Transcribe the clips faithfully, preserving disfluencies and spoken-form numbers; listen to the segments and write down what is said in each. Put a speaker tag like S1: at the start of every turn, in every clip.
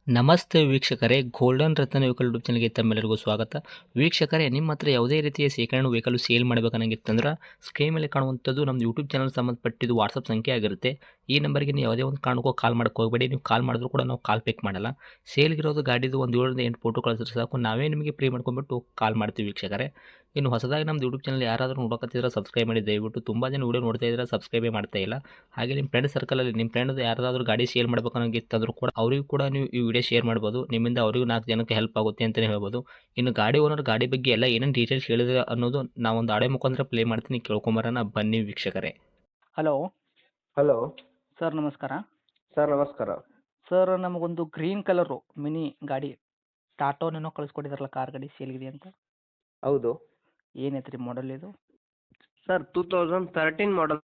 S1: ನಮಸ್ತೆ ವೀಕ್ಷಕರೇ, ಗೋಲ್ಡನ್ ರತ್ನ vehicle YouTube ಚಾನಲ್ಗೆ ತಮ್ಮೆಲ್ಲರಿಗೂ ಸ್ವಾಗತ. ವೀಕ್ಷಕರೇ, ನಿಮ್ಮ ಹತ್ರ ಯಾವುದೇ ರೀತಿಯ ಶೇಖರಣೆ ವೆಹಿಕಲ್ ಸೇಲ್ ಮಾಡಬೇಕನ್ನಂಗಿತ್ತಂದ್ರೆ ಸ್ಕ್ರೀನ್ ಮೇಲೆ ಕಾಣುವಂಥದ್ದು ನಮ್ಮ ಯೂಟ್ಯೂಬ್ ಚಾನಲ್ ಸಂಬಂಧಪಟ್ಟಿದ್ದು ವಾಟ್ಸಪ್ ಸಂಖ್ಯೆ ಆಗಿರುತ್ತೆ. ಈ ನಂಬರ್ಗೆ ನೀವು ಯಾವುದೇ ಒಂದು ಕಾರಣಕ್ಕೂ ಕಾಲ್ ಮಾಡಕ್ಕೆ ಹೋಗಬೇಡಿ. ನೀವು ಕಾಲ್ ಮಾಡಿದ್ರು ಕೂಡ ನಾವು ಕಾಲ್ ಪಿಕ್ ಮಾಡಲ್ಲ. ಸೇಲ್ಗಿರೋದು ಗಾಡಿದು ಒಂದು ಏಳರಿಂದ ಎಂಟು ಫೋಟೋ ಕಳಿಸಿದ್ರೆ ಸಾಕು, ನಾವೇ ನಿಮಗೆ ಪ್ರೀ ಮಾಡ್ಕೊಂಡ್ಬಿಟ್ಟು ಕಾಲ್ ಮಾಡ್ತೀವಿ ವೀಕ್ಷಕರೇ. ಇನ್ನು ಹೊಸದಾಗಿ ನಮ್ಮದು ಯೂಟ್ಯೂಬ್ ಚಾನಲ್ ಯಾರಾದರೂ ನೋಡೋಕತ್ತಿದ್ರೆ ಸಬ್ಸ್ಕ್ರೈಬ್ ಮಾಡಿ ದಯವಿಟ್ಟು. ತುಂಬ ಜನ ವೀಡಿಯೋ ನೋಡ್ತಾ ಇದ್ದಾರೆ, ಸಬ್ಸ್ಕ್ರೈಬೇ ಮಾಡ್ತಾ ಇಲ್ಲ. ಹಾಗೆ ನಿಮ್ಮ ಫ್ರೆಂಡ್ ಸರ್ಕಲಲ್ಲಿ ನಿಮ್ಮ ಫ್ರೆಂಡ್ ಯಾರಾದರೂ ಗಾಡಿ ಸೇಲ್ ಮಾಡಬೇಕನ್ನೋಂಗಿತ್ತಂದ್ರೂ ಕೂಡ ಅವರಿಗೂ ಕೂಡ ನೀವು ಈ ವಿಡಿಯೋ ಶೇರ್ ಮಾಡ್ಬೋದು. ನಿಮ್ಮಿಂದ ಅವರಿಗೂ ನಾಲ್ಕು ಜನಕ್ಕೆ ಹೆಲ್ಪ್ ಆಗುತ್ತೆ ಅಂತಲೇ ಹೇಳ್ಬೋದು. ಇನ್ನು ಗಾಡಿ ಓನರ್ ಗಾಡಿ ಬಗ್ಗೆ ಎಲ್ಲ ಏನೇನು ಡೀಟೇಲ್ಸ್ ಹೇಳಿದ್ರೆ ಅನ್ನೋದು ನಾವೊಂದು ಆಡೆ ಮುಖಾಂತರ ಪ್ಲೇ ಮಾಡ್ತೀನಿ, ಕೇಳ್ಕೊಂಬರೋಣ ಬನ್ನಿ ವೀಕ್ಷಕರೇ.
S2: ಹಲೋ
S3: ಹಲೋ
S2: ಸರ್, ನಮಸ್ಕಾರ.
S3: ಸರ್ ನಮಸ್ಕಾರ.
S2: ಸರ್, ನಮಗೊಂದು ಗ್ರೀನ್ ಕಲರು ಮಿನಿ ಗಾಡಿ ಟಾಟೋನೇನೋ ಕಳಿಸ್ಕೊಟ್ಟಿದ್ರಲ್ಲ, ಕಾರ್ ಗಾಡಿ ಸೇಲ್ಗಿದೆ ಅಂತ.
S3: ಹೌದು
S2: ಏನೈತೆ ರೀ ಮಾಡಲ್ ಇದು?
S3: Sir, two thousand thirteen model.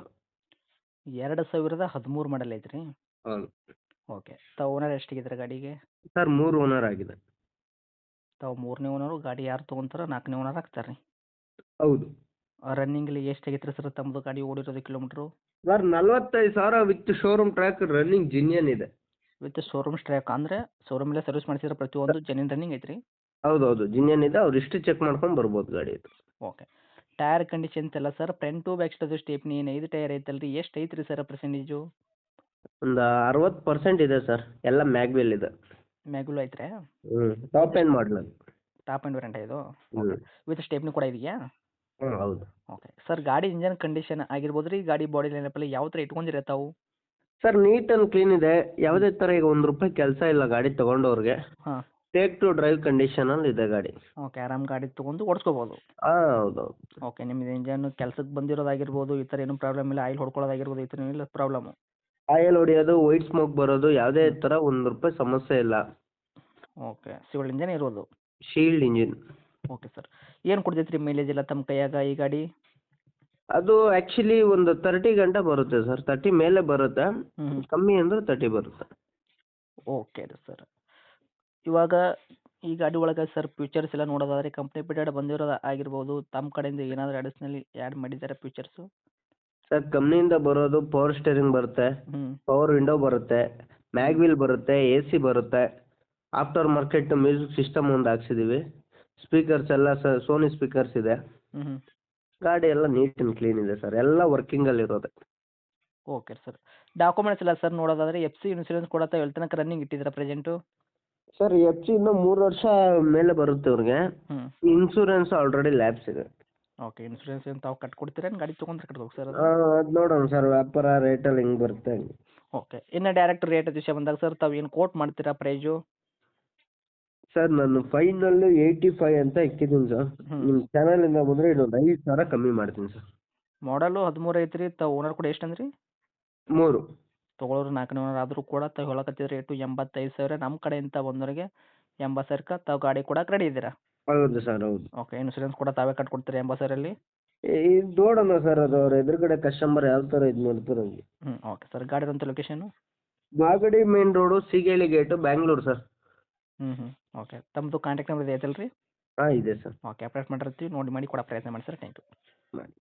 S2: ಎರಡು ಸಾವಿರದ ಹದಿಮೂರು ಮಾಡಲ್ ಐತ್ರಿ.
S3: ಹೌದು
S2: ಓಕೆ. ತಾವು ಓನರ್ ಎಷ್ಟಿಗಿದ್ರೆ ಗಾಡಿಗೆ?
S3: ಸರ್, ಮೂರು ಓನರ್ ಆಗಿದೆ.
S2: ತಾವು ಮೂರನೇ ಓನರು. ಗಾಡಿ ಯಾರು ತೊಗೊಂತಾರ ನಾಲ್ಕನೇ ಓನರ್ ಆಗ್ತಾರೆ ರೀ.
S3: ಹೌದು
S2: ರನ್ನಿಂಗ್ಲಿ ಎಷ್ಟು ಆಗೈತೆ ರೀ ಸರ್ ತಮ್ಮದು ಗಾಡಿ ಓಡಿರೋದು ಕಿಲೋಮೀಟ್ರು?
S3: ಸರ್, ನಲ್ವತ್ತೈದು ಸಾವಿರ with showroom track running genuine ಇದೆ.
S2: ವಿತ್ ಶೋರೂಮ್ ಸ್ಟ್ರ್ಯಾಕ್ ಅಂದರೆ ಶೋರೂಮಲ್ಲೇ ಸರ್ವಿಸ್ ಮಾಡಿಸಿದ್ರೆ ಪ್ರತಿಯೊಂದು ಜೆನ್ಯೂನ್ ರನ್ನಿಂಗ್ ಐತ್ರಿ?
S3: ಹೌದು ಹೌದು ಜಿನಿಯನ್ ಇದೆ. ಅವ್ರು ಇಷ್ಟು ಚೆಕ್ ಮಾಡ್ಕೊಂಡು ಬರ್ಬೋದು ಗಾಡಿ ಇದು.
S2: ಓಕೆ. ಟೈರ್ ಕಂಡೀಷನ್ಸ್ ಎಲ್ಲ sir, front back side stepney ಏನು ಐದು ಟೈರ್ ಐತಲ್ರಿ, ಎಷ್ಟು ಐತ್ರಿ ಸರ್ ಪರ್ಸೆಂಟೇಜು?
S3: ಒಂದು ಅರವತ್ತು ಪರ್ಸೆಂಟ್ ಇದೆ ಸರ್. ಎಲ್ಲ ಮ್ಯಾಗ್ವೆಲ್ ಇದೆ.
S2: ಮ್ಯಾಗುಲು ಐತ್ರಿ?
S3: ಹ್ಞೂ ಟಾಪ್ ಎಂಡ್ ಮಾಡಲ್ ಅದು.
S2: ಟಾಪ್ ಆ್ಯಂಡ್ ವೇರಿಯಂಟ್ ಇದು?
S3: ಹ್ಞೂ
S2: ವಿತ್ ಸ್ಟೇಪ್ನಿ ಕೂಡ ಇದೆಯಾ?
S3: ಹ್ಞೂ ಹೌದು.
S2: ಓಕೆ ಸರ್, ಗಾಡಿ ಇಂಜನ್ ಕಂಡೀಷನ್ ಆಗಿರ್ಬೋದು ರೀ, ಗಾಡಿ ಬಾಡಿ ಲೈನಪ್ಪಲ್ಲಿ ಯಾವ ಥರ ಇಟ್ಕೊಂಡಿರ ತಾವು?
S3: ಸರ್, ನೀಟ್ ಆ್ಯಂಡ್ ಕ್ಲೀನ್ ಇದೆ. ಯಾವುದೇ ಥರ ಈಗ ಒಂದು ರೂಪಾಯಿ ಕೆಲಸ ಇಲ್ಲ ಗಾಡಿ ತೊಗೊಂಡವ್ರಿಗೆ.
S2: ಹಾಂ.
S3: ಟೇಕ್ ಟು ಡ್ರೈವ್ ಕಂಡೀಷನಲ್ಲಿ ಇದೆ ಗಾಡಿ.
S2: ಓಕೆ, ಆರಾಮ್ ಗಾಡಿ ತೊಗೊಂಡು ಓಡಿಸ್ಕೋಬೋದು.
S3: ಹಾಂ ಹೌದು ಹೌದು.
S2: ಓಕೆ. ನಿಮ್ಮದು ಇಂಜನ್ ಕೆಲಸಕ್ಕೆ ಬಂದಿರೋದಾಗಿರ್ಬೋದು, ಈ ಥರ ಏನೂ ಪ್ರಾಬ್ಲಮ್ ಇಲ್ಲ, ಆಯಿಲ್ ಹೊಡ್ಕೊಳ್ಳೋದಾಗಿರ್ಬೋದು, ಈ ಥರ ಏನಿಲ್ಲ ಪ್ರಾಬ್ಲಮ್ಮು?
S3: ಆಯಿಲ್ ಹೊಡಿಯೋದು, ವೈಟ್ ಸ್ಮೋಕ್ ಬರೋದು, ಯಾವುದೇ ಥರ ಒಂದು ರೂಪಾಯಿ ಸಮಸ್ಯೆ ಇಲ್ಲ.
S2: ಓಕೆ. ಸಿವಿಲ್ ಇಂಜನ್ ಇರೋದು?
S3: Sealed engine.
S2: Okay sir. ಏನು ಕೊಡ್ತೈತೆ ರೀ ಮೈಲೇಜ್ ಎಲ್ಲ ತಮ್ಮ ಕೈಯಾಗ ಈ ಗಾಡಿ?
S3: ಅದು ಆ್ಯಕ್ಚುಲಿ ಒಂದು ತರ್ಟಿ ಗಂಟೆ ಬರುತ್ತೆ ಸರ್. ತರ್ಟಿ ಮೇಲೆ ಬರುತ್ತೆ.
S2: ಹ್ಞೂ.
S3: ಕಮ್ಮಿ ಅಂದರೆ ತರ್ಟಿ ಬರುತ್ತೆ.
S2: ಓಕೆ ರೀ ಸರ್. ಇವಾಗ ಈ ಗಾಡಿ ಒಳಗೆ ಸರ್ ಫ್ಯೂಚರ್ಸ್ ಎಲ್ಲ ನೋಡೋದಾದ್ರೆ ಕಂಪ್ನಿ ಬಿಡೆಡ್ ಬಂದಿರೋದು ಆಗಿರ್ಬೋದು, ತಮ್ಮ ಕಡೆಯಿಂದ ಏನಾದರೂ ಅಡಿಷ್ನಲಿ ಆ್ಯಡ್ ಮಾಡಿದ್ದಾರೆ ಫ್ಯೂಚರ್ಸು?
S3: ಸರ್, ಕಂಪ್ನಿಯಿಂದ ಬರೋದು ಪವರ್ ಸ್ಟೇರಿಂಗ್ ಬರುತ್ತೆ,
S2: ಹ್ಞೂ.
S3: ಪವರ್ ವಿಂಡೋ ಬರುತ್ತೆ, ಮ್ಯಾಗ್ವಿಲ್ ಬರುತ್ತೆ, ಎ ಸಿ ಬರುತ್ತೆ. ಆಫ್ಟರ್ ಮಾರ್ಕೆಟ್ ಮ್ಯೂಸಿಕ್ ಸಿಸ್ಟಮ್ ಒಂದು ಹಾಕ್ಸಿದ್ದೀವಿ. ಸ್ಪೀಕರ್ಸ್ ಎಲ್ಲ ಸ ಸೋನಿ ಸ್ಪೀಕರ್ಸ್ ಇದೆ.
S2: ಹ್ಞೂ ಹ್ಞೂ.
S3: ಗಾಡಿ ಎಲ್ಲ ನೀಟ್ ಆ್ಯಂಡ್ ಕ್ಲೀನ್ ಇದೆ ಸರ್. ಎಲ್ಲ ವರ್ಕಿಂಗಲ್ಲಿರೋದೆ.
S2: Okay sir. ಡಾಕ್ಯುಮೆಂಟ್ಸ್ ಎಲ್ಲ ಸರ್ ನೋಡೋದಾದ್ರೆ ಎಫ್ ಸಿ ಇನ್ಸೂರೆನ್ಸ್ ಕೂಡ ತಾವು ಎಲ್ಲಿ ತನಕ ರನ್ನಿಂಗ್ ಇಟ್ಟಿದ್ದೀರಾ ಪ್ರೆಸೆಂಟು?
S3: ಸರ್, ಎಫ್ ಸಿ ಇನ್ನೂ ಮೂರು ವರ್ಷ ಮೇಲೆ ಬರುತ್ತೆ ಅವ್ರಿಗೆ.
S2: ಹ್ಞೂ.
S3: ಇನ್ಸೂರೆನ್ಸ್ ಆಲ್ರೆಡಿ ಲ್ಯಾಬ್ಸ್ ಇದೆ.
S2: ಓಕೆ. ಇನ್ಸೂರೆನ್ಸ್ ಏನು ತಾವು ಕಟ್ಕೊಡ್ತೀರಾ, ಏನು ಗಾಡಿ ತೊಗೊಂಡ್ರೆ ಕಟ್ಬೇಕು ಸರ್ ಅದು?
S3: ಅದು ನೋಡೋಣ ಸರ್, ವ್ಯಾಪಾರ ರೇಟಲ್ಲಿ ಹೆಂಗೆ ಬರುತ್ತೆ ಹಂಗೆ.
S2: ಓಕೆ. ಇನ್ನು ಡೈರೆಕ್ಟ್ ರೇಟ್ ವಿಷಯ ಬಂದಾಗ ಸರ್, ತಾವು ಏನು ಕೋಟ್ ಮಾಡ್ತೀರಾ ಪ್ರೈಜು?
S3: ಸರ್, ನಾನು ಫೈನಲ್ಲು ಏಯ್ಟಿ ಫೈವ್ ಅಂತ ಇಕ್ಕಿದ್ದೀನಿ ಸರ್.
S2: ಹ್ಞೂ.
S3: ನಿಮ್ಮ ಚಾನಲಿಂದ ಬಂದರೆ ಇನ್ನೊಂದು ಐದು ಸಾವಿರ ಕಮ್ಮಿ ಮಾಡ್ತೀನಿ ಸರ್.
S2: ಮಾಡಲು ಹದಿಮೂರು ಐತ್ರಿ, ತಾವು ಓನರ್ ಕೂಡ ಎಷ್ಟು ಅಂದ್ರಿ?
S3: ಮೂರು.
S2: ತೊಗೊಳೋರು ನಾಲ್ಕನೇ ಓನರ್ ಆದರೂ ಕೂಡ ತಾವು ಹೇಳಕತ್ತಿದ ರೇಟು ಎಂಬತ್ತೈದು ಸಾವಿರ. ನಮ್ಮ ಕಡೆಯಿಂದ ಬಂದವರಿಗೆ ಎಂಬತ್ತು ಸಾವಿರಕ್ಕೆ ತಾವು ಗಾಡಿ ಕೊಡಕ್ಕೆ ರೆಡಿ ಇದ್ದೀರಾ?
S3: ಹೌದು ಸರ್, ಹೌದು.
S2: ಓಕೆ. ಇನ್ಸೂರೆನ್ಸ್ ಕೂಡ ತಾವೇ ಕಟ್ಕೊಡ್ತೀರಾ ಎಂಬತ್ತು ಸಾವಿರಲ್ಲಿ?
S3: ಇದು ನೋಡೋಣ ಸರ್, ಅದು ಅವ್ರ ಎದುರುಗಡೆ ಕಸ್ಟಮರ್ ಯಾವ ಥರ ಇದು ಮಾಡ್ತಾರೆ ಹಂಗೆ.
S2: ಹ್ಞೂ. Okay sir. ಗಾಡಿ ಇರೋಂಥ location?
S3: Magadi main road, Seegehalli gate, Bangalore sir.
S2: ಹ್ಞೂ ಹ್ಞೂ. ಓಕೆ. ತಮ್ಮದು ಕಾಂಟ್ಯಾಕ್ಟ್ ನಂಬರ್ ಇದೆ ಐತಲ್ಲ ರೀ?
S3: ಹಾಂ ಇದೆ ಸರ್.
S2: ಓಕೆ. ಅಪ್ಡೇಟ್ ಮಾಡಿರ್ತೀವಿ, ನೋಡಿ ಮಾಡಿ ಕೊಡೋ ಪ್ರಯತ್ನ ಮಾಡಿ ಸರ್. Thank you.
S3: ಮಾಡಿ.